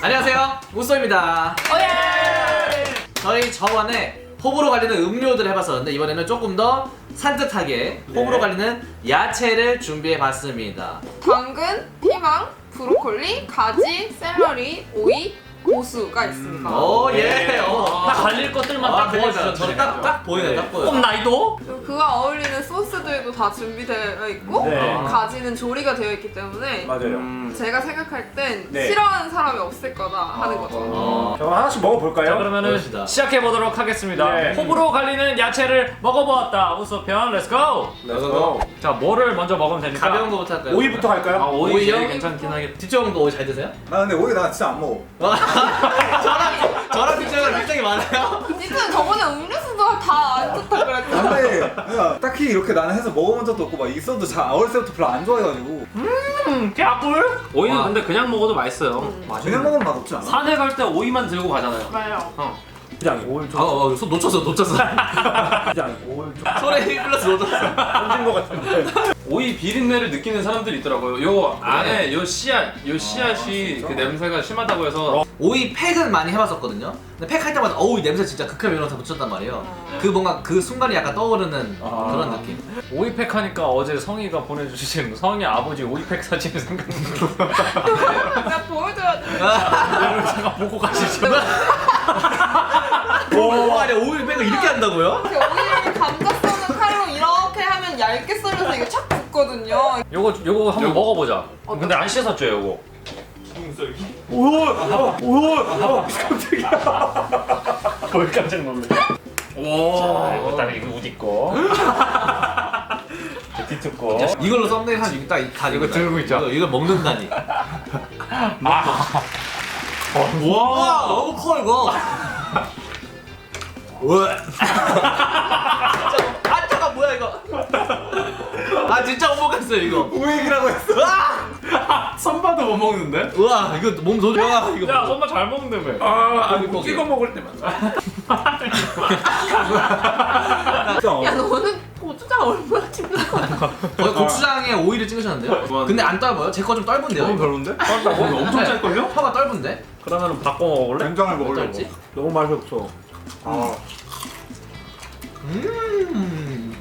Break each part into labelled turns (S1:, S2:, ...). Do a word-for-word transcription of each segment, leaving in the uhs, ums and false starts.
S1: 안녕하세요, 우쏘입니다.
S2: 오예!
S1: 저희 저번에 호불호 갈리는 음료들을 해봤었는데 이번에는 조금 더 산뜻하게 호불호 갈리는 야채를 준비해봤습니다.
S2: 당근, 피망, 브로콜리, 가지, 샐러리, 오이, 고수가 있습니다.
S1: 오, 예. 어.
S3: 딱 갈릴 것들만
S1: 아,
S3: 딱
S1: 그러니까
S3: 모아주셨죠.
S1: 저는 딱, 딱 보이네, 딱 보여.
S3: 꼭 나이도?
S2: 그리고 그와 어울리는 소스들도 다 준비되어 있고
S3: 네.
S2: 가지는 조리가 되어 있기 때문에
S4: 맞아요.
S3: 음.
S2: 제가 생각할 땐
S4: 네.
S2: 싫어하는 사람이 없을 거다 하는 거죠.
S1: 어.
S4: 그럼 하나씩 먹어볼까요?
S3: 자 그러면은
S1: 그럽시다.
S3: 시작해보도록 하겠습니다.
S4: 네.
S3: 호불호 갈리는 야채를 먹어보았다. 우소편 렛츠고!
S4: 렛츠고.
S3: 자 뭐를 먼저 먹으면 됩니까?
S1: 가벼운 거부터 할까요?
S4: 오이부터
S3: 아
S4: 갈까요?
S3: 오이
S1: 오이요?
S3: 제일 괜찮긴 하겠다.
S1: 뒷쪽은 오이 잘 드세요?
S5: 나 근데 오이 나 진짜 안 먹어.
S1: 저랑, 저랑 뒷쪽은 굉장히 많아요.
S2: 진짜 저번에 음료수도 다 안 좋다 그랬죠.
S5: 근데 그냥 딱히 이렇게 나는 해서 먹어본 적도 없고 막 있어도 잘 어렸을 때부터 별로 안 좋아해가지고
S3: 음 개꿀?
S6: 오이는
S1: 와.
S6: 근데 그냥 먹어도 맛있어요.
S5: 그냥 먹으면 맛없지 않아?
S6: 산에 갈 때 오이만 들고 가잖아요.
S2: 맞아요.
S6: 어.
S4: 부장이 오일 좀
S1: 아, 어, 손 놓쳤어, 놓쳤어.
S4: 부장이 오일 좀
S1: 손에 힘 플러스 놓쳤어.
S4: 던진 것 같은데.
S6: 오이 비린내를 느끼는 사람들이 있더라고요. 요 안에 요 씨앗, 요 씨앗이 그 냄새가 심하다고 해서
S1: 오이 팩은 많이 해봤었거든요. 근데 팩 할 때마다 어우 이 냄새 진짜 극혐 이러면서 붙였단 말이에요. 그 뭔가 그 순간이 약간 떠오르는
S4: 아.
S1: 그런 느낌.
S3: 오이팩 하니까 어제 성희가 보내주신 성희 아버지 오이팩 사진이 생각나요.
S2: 내가 보여줘야 돼.
S3: 제가 보고 가시죠.
S1: 오, 아니 오이 팩을 이렇게 한다고요?
S2: 이렇게 오이를 감자 써는 칼로 이렇게 하면 얇게 썰려서 이게 착 붙거든요.
S3: 요거 요거 한번
S6: 요거.
S3: 먹어보자. 근데 안 씻었죠 요거?
S4: 오일! 오일! 깜짝이야.
S3: 뭘 깜짝 놀래. 자 이거 딱 이거 우디 거. 뒤쪽 거.
S1: 이걸로 썸네일 한 딱 다
S3: 이거 들고 있죠?
S1: 이거, 이걸 먹는다니.
S3: 아.
S1: 와 너무 커 이거. 왜? 아 잠깐 뭐야 이거? 아 진짜 못 먹겠어요 이거.
S5: 오이라고 했어.
S6: 선바도 못 먹는데?
S1: 우와 이거 몸 소. 와 이거.
S3: 야 손만 잘 먹는다며.
S4: 아, 아니
S1: 먹게.
S4: 찍어 먹을 때만.
S2: 야 너는 고추장 얼마나 찍는 거야?
S1: 거의 고추장에 오이를 찍으셨는데요? 근데 안 떫어요? 제 거 좀 떫은데요?
S6: 너무 별론데? 어, 엄청 짤걸요?
S1: 혀가 떫은데?
S3: 그러면은 바꿔 먹을래?
S5: 된장을 먹으려고.
S1: 어떨지?
S4: 너무 맛이 없어. 아.
S1: 음.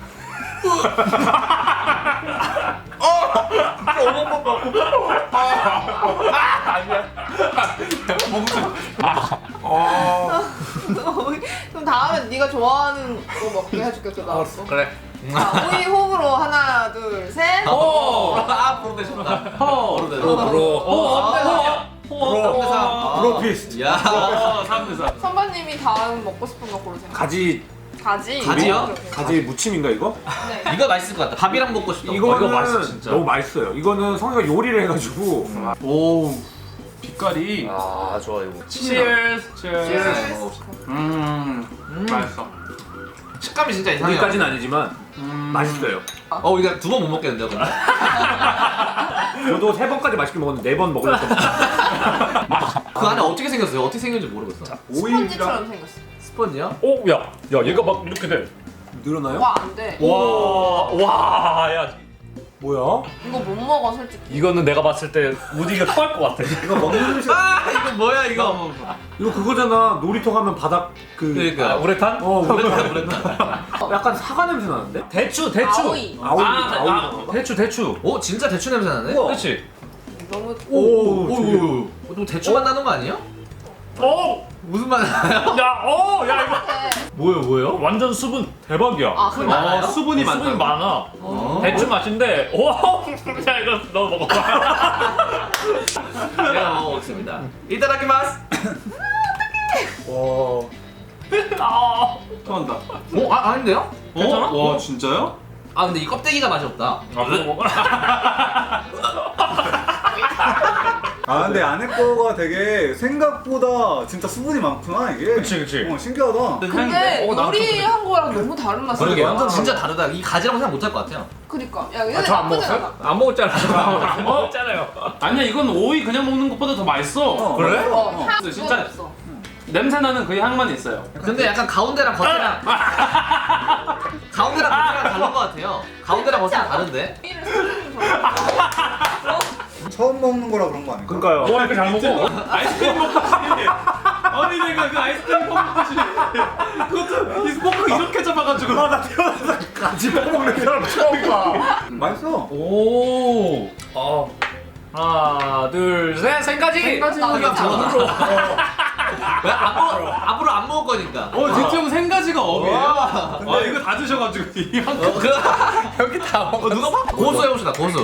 S2: 그럼 다음에 네가 좋아하는 거 먹게 해줄게 그 다음 거.
S1: 그래.
S2: 자, 오이 호불호 하나 둘 셋.
S1: 오! 아, 보로 되셨다.
S3: 호.
S1: 보로 되셨다.
S3: 호. 호.
S1: 아,
S4: 브로.
S1: 아.
S4: 브로피스트.
S1: 야.
S6: 삼 대 삼.
S2: 선배님이 다음 먹고 싶은 거 고르세요.
S4: 가지
S2: 가지.
S1: 가지요?
S2: 이렇게.
S4: 가지 무침인가 이거?
S2: 네.
S1: 이거 맛있을 것 같다. 밥이랑 먹고 싶다.
S4: 이거는
S3: 이거 맛있어, 진짜.
S4: 너무 맛있어요. 이거는 성희가 요리를 해가지고
S6: 오, 빛깔이.
S3: 아 좋아 이거.
S6: 치얼스. 치얼스.
S2: 치얼스.
S6: 음,
S1: 음.
S6: 맛있어.
S1: 식감이 진짜 이상해요.
S4: 여기까지는 아니지만
S6: 음.
S4: 맛있어요.
S1: 어, 이거 두 번 못 먹겠는데요, 근데?
S4: 저도 세 번까지 맛있게 먹었는데 네 번 먹으려고.
S1: 그 안에 어떻게 생겼어요? 어떻게 생겼는지 모르겠어.
S2: 스펀지처럼 생겼어.
S1: 스펀지요?
S3: 오, 야, 야, 얘가 막 이렇게 돼.
S4: 늘어나요?
S2: 와 안 돼.
S3: 와, 와, 야,
S4: 뭐야?
S2: 이거 못 먹어 솔직히.
S3: 이거는 내가 봤을 때 우디가 토할 것 같아.
S4: 이거 먹는 음식.
S1: 아, 이거 뭐야, 이거?
S4: 이거 그거잖아. 놀이터 가면 바닥 그.
S1: 그러니까.
S3: 우레탄?
S4: 어,
S1: 오랜만에, 오랜만에.
S4: 약간 사과 냄새 나는데?
S3: 대추, 대추.
S2: 아오이.
S4: 아오이.
S3: 아,
S4: 아오이.
S3: 아, 대추, 대추.
S1: 오, 진짜 대추 냄새 나네?
S4: 우와.
S3: 그렇지.
S2: 너무
S4: 오,
S1: 오,
S4: 오,
S1: 오, 오. 또 대추 맛 나는 거 아니에요?
S3: 오,
S1: 무슨 맛 나요?
S3: 야, 오, 야 이거
S1: 뭐예요, 뭐예요?
S3: 완전 수분 대박이야.
S2: 아 그래.
S1: 많아요?
S6: 수분이 많다.
S3: 수분이 많아.
S1: 어.
S3: 대추 맛인데, 오, 야 이거 너 먹어봐.
S1: 제가 먹어보겠습니다. 이따다키마스!
S4: 와.
S3: 아,
S6: 토한다.
S1: 어? 아, 아닌데요?
S3: 괜찮아?
S6: 어? 와, 진짜요?
S1: 아, 근데 이 껍데기가 맛이 없다.
S3: 아, 그거 먹어.
S5: 아 근데 안에 거가 되게 생각보다 진짜 수분이 많구나 이게.
S3: 그치, 그치.
S5: 어 신기하다.
S2: 근데
S6: 어, 나도
S2: 요리한 거랑 너무 다른 맛이야.
S1: 그러게
S2: 완전
S1: 진짜 다르다. 이 가지랑 생각 못할 것 같아요.
S2: 그니까. 야 얘네
S3: 아, 저 안
S2: 나쁘진
S3: 먹었어요?
S2: 않아.
S3: 안 먹었잖아요. 안 먹었잖아요.
S6: 아니야, 이건 오이 그냥 먹는 것보다 더 맛있어.
S5: 어,
S3: 그래?
S5: 맞아.
S2: 어, 향
S6: 진짜-
S2: 진짜 없어.
S6: 냄새 나는 그 향만 있어요.
S1: 근데 약간 가운데랑 겉이랑 가운데랑 겉이랑 다른 것 같아요. 가운데랑 겉이랑 다른데?
S2: 오이를 쓰는 거.
S5: 처음 먹는 거라 그런 거 아닐까?
S4: 그러니까요.
S3: 뭐 이렇게 잘 먹어?
S6: 아이스크림 먹듯이. 아니 내가 그 아이스크림 먹듯이. 그것도 이 포크 이렇게 잡아가지고.
S4: 아나 태어나서 같이 먹는 사람 처음 봐.
S5: 맛있어.
S3: 오. 어. 하나, 둘, 셋, 생까지.
S2: 생까지
S1: 나오지 않아.
S2: 나오지
S1: 왜 앞으로 앞으로 안 먹을 거니까.
S6: 어 진짜 형 생가지가 업이에요.
S1: 와.
S6: 아 이거 다 드셔가지고 이만큼.
S1: 어, 그, 여기 다 먹어. 누가 봐? 고수 해봅시다. 고수.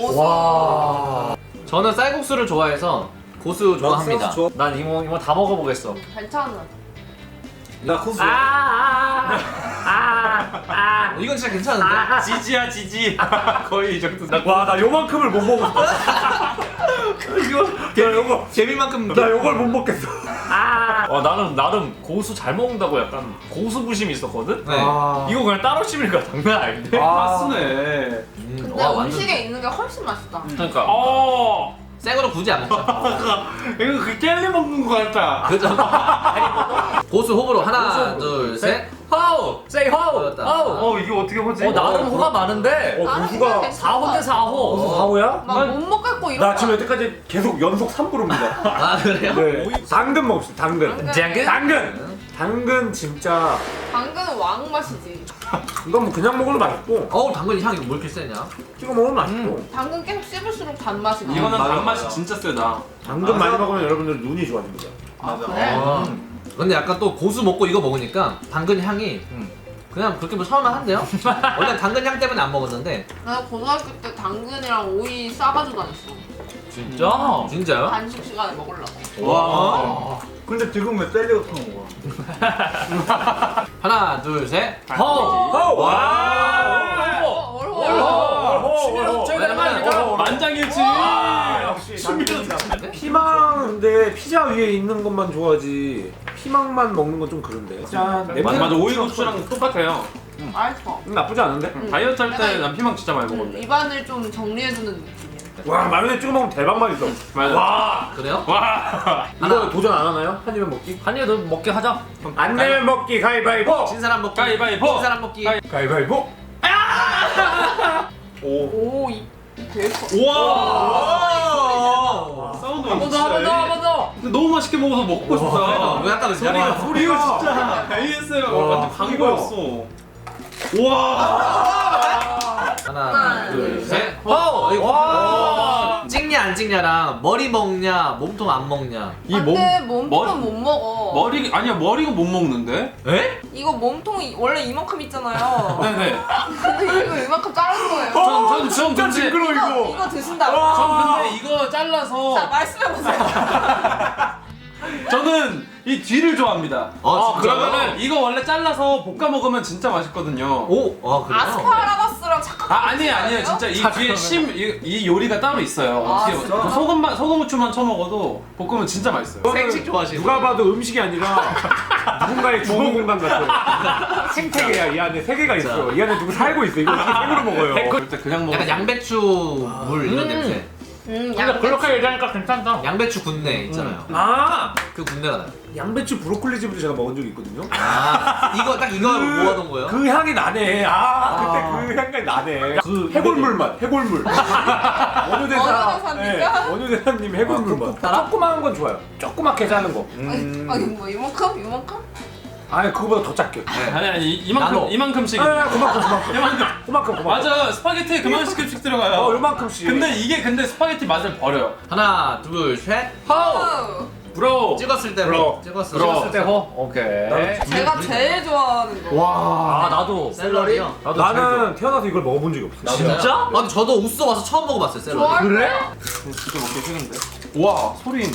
S4: 와.
S1: 저는 쌀국수를 좋아해서 고수 좋아합니다.
S5: 좋아.
S3: 난 이모 이모 다 먹어보겠어.
S2: 괜찮아.
S5: 나 코스.
S3: 아, 아, 아.
S1: 어, 이건 진짜 괜찮은데?
S6: 지지야 지지. 거의 이 정도.
S4: 와 나 요만큼을 못 먹었어.
S1: 이거
S4: 나 요거
S1: 개미만큼.
S4: 나 요걸 못 먹겠어.
S3: 어 나는 나름 고수 잘 먹는다고 약간 고수 부심이 있었거든.
S1: 네.
S4: 아.
S3: 이거 그냥 따로 씹으니까 장난 아닌데.
S4: 아.
S6: 쓰네.
S1: 음,
S2: 근데
S1: 와, 완전
S2: 음식에 있는 게 훨씬 맛있다.
S3: 그러니까. 어.
S1: 생으로 굳이 안 먹자.
S6: 이거 그 젤리 먹는 거 같다.
S1: 그죠? 고수 호불호 하나, 둘, 셋.
S3: 호우, say 호우,
S1: 어렵다.
S3: 호우.
S6: 어 이게 어떻게 보지?
S3: 어 나름 호가 많은데.
S4: 어
S2: 나는
S4: 고수가
S2: 그냥
S3: 사 호 대 사 호.
S4: 고수 사호야?
S2: 막못 먹겠고 이런
S4: 나 지금 여태까지 계속 연속 삼 부릅니다.
S1: 아 그래요?
S4: 네. 당근 먹읍시다. 당근.
S2: 당근?
S4: 당근. 당근 진짜
S2: 당근은 왕 맛이지.
S4: 이건 뭐 그냥 먹으면 맛있고
S1: 어우 당근 향이 뭐 이렇게 세냐?
S4: 찍어 먹으면 맛있고
S2: 당근 계속 씹을수록 단맛이 나.
S6: 이거는
S5: 맞아,
S6: 단맛이
S5: 맞아.
S6: 진짜 세다.
S4: 당근 많이 먹으면 여러분들 눈이 좋아집니다.
S5: 맞아.
S2: 그래?
S1: 아, 근데 약간 또 고수 먹고 이거 먹으니까 당근 향이
S3: 음.
S1: 그냥 그렇게 뭐 서운한데요? 원래 당근 향 때문에 안 먹었는데
S2: 나 고등학교 때 당근이랑 오이 싸가지고 다녔어.
S3: 진짜?
S1: 진짜요?
S2: 간식 시간에 먹으려고.
S6: 와.
S5: 근데 지금 왜 젤리 같은 거 먹어?
S1: 하나, 둘, 셋.
S3: 호우.
S2: 와.
S3: 와.
S2: 어려워.
S1: 왜냐면
S6: 만장일치.
S4: 역시 당근이다. 피망 근데 피자 위에 있는 것만 좋아하지 피망만 먹는 건 좀 그런데. 짠.
S6: 맞아 맞아 오이 고추랑 똑같아요.
S2: 맛있어.
S4: 음, 나쁘지 않은데?
S2: 응.
S6: 다이어트 할 때
S2: 약간
S6: 난 피망 진짜 많이
S2: 음,
S6: 먹었는데.
S2: 입안을 좀 정리해주는 느낌이야.
S4: 와 마요네즈 찍어 먹으면 대박 맛있어.
S6: 맞아.
S4: 와
S1: 그래요?
S6: 와.
S4: 이거 도전 안 하나요? 한 입에 먹기?
S3: 한 입에 더 먹게 하자.
S4: 안 내면 먹기 가위바위보.
S1: 진 사람 먹기.
S6: 가위바위보.
S1: 진 사람 먹기.
S6: 가위-
S4: 가위바위보.
S2: 오, 이 되게 커.
S6: 우와. 사운드
S3: 한 번 더, 한 번 더, 한 번 더.
S6: 근데 너무 맛있게 먹어서 먹고 싶다.
S1: 왜 아까 그
S6: 소리가
S1: 소리가
S6: 소리가 진짜 에이에스엠알
S4: 와,
S6: 완전 광고였어. 와.
S1: 하나,
S2: 하나,
S1: 둘,
S2: 둘,
S1: 셋.
S3: 호우.
S1: 이거
S3: 와.
S1: 찍냐 안 찍냐랑 머리 먹냐 몸통 안 먹냐.
S6: 이
S2: 근데
S6: 몸
S2: 몸통은 못 먹어.
S6: 머리 아니야 머리가 못 먹는데?
S1: 에?
S2: 이거 몸통이 원래 이만큼 있잖아요.
S6: 네네.
S2: 근데 이거 이만큼 자른 거예요.
S6: 전전 전
S4: 진짜
S6: 근데
S4: 징그러
S2: 이거,
S4: 이거.
S2: 이거 드신다고.
S6: 전 근데 이거 잘라서
S2: 자, 말씀해보세요.
S6: 저는 이 뒤를 좋아합니다.
S1: 어, 진짜요?
S6: 그러면은 이거 원래 잘라서 볶아 먹으면 진짜 맛있거든요.
S1: 오, 아 그래요?
S2: 아스파라거스랑 착각.
S6: 아 아니에요 아니에요 진짜 이 뒤에 심 이 이 요리가 따로 있어요.
S2: 아,
S6: 어떻게
S2: 진짜?
S6: 그 소금만 소금 후추만 쳐 먹어도 볶으면 진짜 맛있어요.
S1: 생식 좋아하시는
S4: 누가 봐도 음식이 아니라 누군가의 주거 공간 같아. 생태계야. 이 안에 세계가 있어. 이 안에 누구 살고 있어. 이거 어떻게 생으로 먹어요?
S6: 절대 그냥 먹어.
S1: 약간 양배추 물 이런
S3: 음.
S1: 냄새.
S2: 음,
S3: 근데 그렇게 얘기하니까 괜찮다.
S1: 양배추 군내 있잖아요.
S4: 아
S1: 그 군내가 나요.
S4: 양배추 브로콜리 즙을 제가 먹은 적이 있거든요.
S1: 아 이거 딱 이거 모아둔 거예요?
S4: 그 향이 나네. 아, 그때 그 향이 나네. 그 해골물 맛. 해골물. 원효대사.
S2: 원효대사입니까?
S4: 원효대사님 해골물 맛. 조그마한 건 좋아요. 조그맣게 자른 거.
S2: 아니, 아니 뭐 이만큼? 이만큼?
S4: 아니 그거보다 더 작게.
S6: 아니 아니 이- 이만큼
S1: 나눠.
S6: 이만큼씩.
S4: 아, 그만큼 그만큼.
S6: 이만큼.
S4: 그만큼 그만큼.
S6: 맞아 스파게티에 그만큼씩 들어가요.
S4: 어, 요만큼씩.
S6: 근데 이게 근데 스파게티 맛을 버려요.
S1: 하나, 둘, 셋.
S2: 어,
S6: 브로.
S1: 찍었을 때
S4: 브로.
S1: 찍었을
S3: 찍었을
S1: 때.
S3: 때 호. 오케이.
S2: 제가 제일 좋아하는 거.
S4: 와.
S3: 아 나도.
S1: 샐러리요?
S3: 나도 제일 좋아.
S4: 나는 태어나서 이걸 먹어본 적이 없어.
S3: 진짜?
S1: 아 근데 저도 우스 와서 처음 먹어봤어요 샐러리.
S2: 좋아할
S4: 그래?
S2: 거야.
S6: 진짜 먹기 싫은데. 와 소린.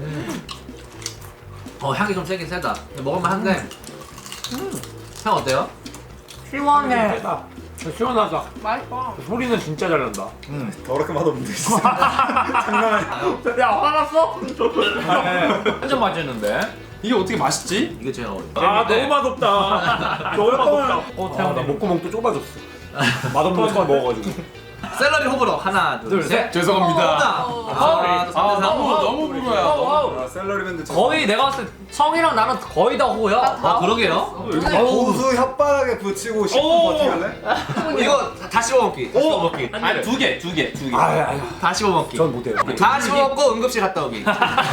S1: 어 향이 좀 세긴 세다. 근데 먹을만 한데. 향 어때요?
S4: 시원해. 시원하다.
S2: 맛있어.
S4: 소리는 진짜 잘 난다.
S5: 더럽게 맛없는데 진짜. 장난 아니야.
S4: 야 화났어?
S3: 완전 맛있는데.
S6: 이게 어떻게 맛있지?
S1: 이게 제일 어려워.
S4: 아 너무 맛없다. 너무 맛없다.
S3: 어
S4: 아,
S3: 태양
S4: 나 목구멍 또 좁아졌어. 맛없는 거 처음 먹어가지고.
S1: 샐러리 호불호 하나 둘,
S3: 둘,
S1: 셋.
S3: 셋.
S6: 죄송합니다.
S1: 아,
S3: 아,
S1: 아,
S6: 너무 너무 불어요.
S3: 어,
S5: 아, 샐러리맨도 진짜.
S3: 거의 내가 봤을 때 성이랑 나는 거의 다 호야.
S1: 아 그러게요.
S5: 고수 혓바닥에 붙이고 십 분
S6: 오.
S5: 버티갈래?
S1: 이거 다 씹어먹기. 다 씹어먹기.
S6: 아니 두 개, 두 개, 두 개.
S4: 아유 아유
S1: 다 씹어먹기.
S4: 전 못해요.
S1: 다 씹어먹고 응급실 갔다 오기.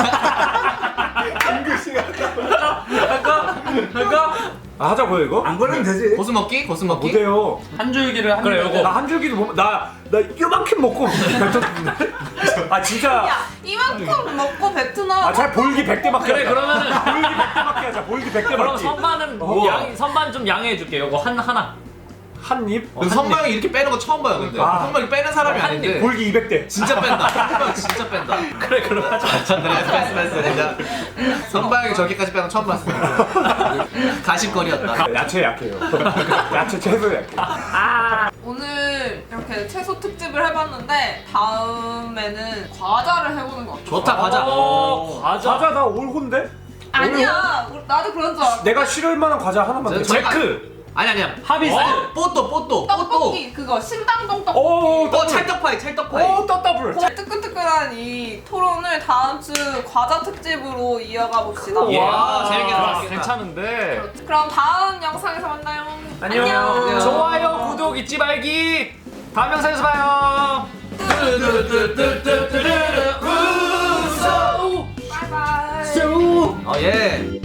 S3: 할까? 할까?
S4: 아 하자고요 이거?
S5: 안 걸리면 되지.
S1: 고수 먹기? 고수 먹기?
S4: 못해요.
S6: 한 줄기를 한
S3: 그래,
S6: 입에
S3: 요거.
S4: 나 한 줄기도 못, 나, 나 이만큼 먹고 뱉었는데. 아 진짜.
S2: 야 이만큼 먹고 뱉으나
S4: 아 잘 볼기 백 대 맞게
S3: 그래
S4: 하자.
S3: 그러면은
S4: 볼기 백 대 맞게 하자. 볼기 백 대
S3: 그럼
S4: 맞기.
S3: 선반은
S4: 어.
S3: 양 선반 좀 양해해 줄게. 요거 한 하나.
S4: 한 입?
S1: 근데 선방이 이렇게 빼는 거 처음 봐요 근데.
S4: 아.
S1: 선방이 빼는 사람이
S3: 한
S1: 아닌데.
S4: 볼기 이백 대.
S1: 진짜 뺀다. 선방 진짜 뺀다.
S3: 그래 그럼 하자.
S1: 그래 패스 패스 진짜. 선방이 저기까지 빼는 거 처음 봤습니다. 가십거리였다.
S4: 야채 약해요. 야채 채소 약해.
S2: 오늘 이렇게 채소 특집을 해봤는데 다음에는 과자를 해보는 거 어때?
S1: 좋다 과자.
S3: 어, 과자.
S4: 과자 나 올혼데?
S2: 아니야 우리- 나도 그런 줄 알았어.
S4: 내가 싫어할 만한 과자 하나만 내.
S1: 저-
S3: 제크.
S1: 아니 아니야.
S3: 하비스.
S1: 어? 뽀또 뽀또 뽀또.
S2: 떡볶이 그거 신당동 떡볶이.
S4: 오,
S1: 어 찰떡파이 찰떡파이.
S4: 오, 떡더블.
S2: 그 뜨끈뜨끈한 이 토론을 다음 주 과자 특집으로 이어가 봅시다.
S1: 예. 와,
S3: 아,
S1: 재밌게
S3: 좋아,
S1: 나왔겠다.
S3: 괜찮은데.
S2: 그럼 다음 영상에서 만나요.
S3: 안녕. 좋아요, 구독 잊지 말기. 다음 영상에서 봐요.
S2: 바이바이.
S1: 어 예.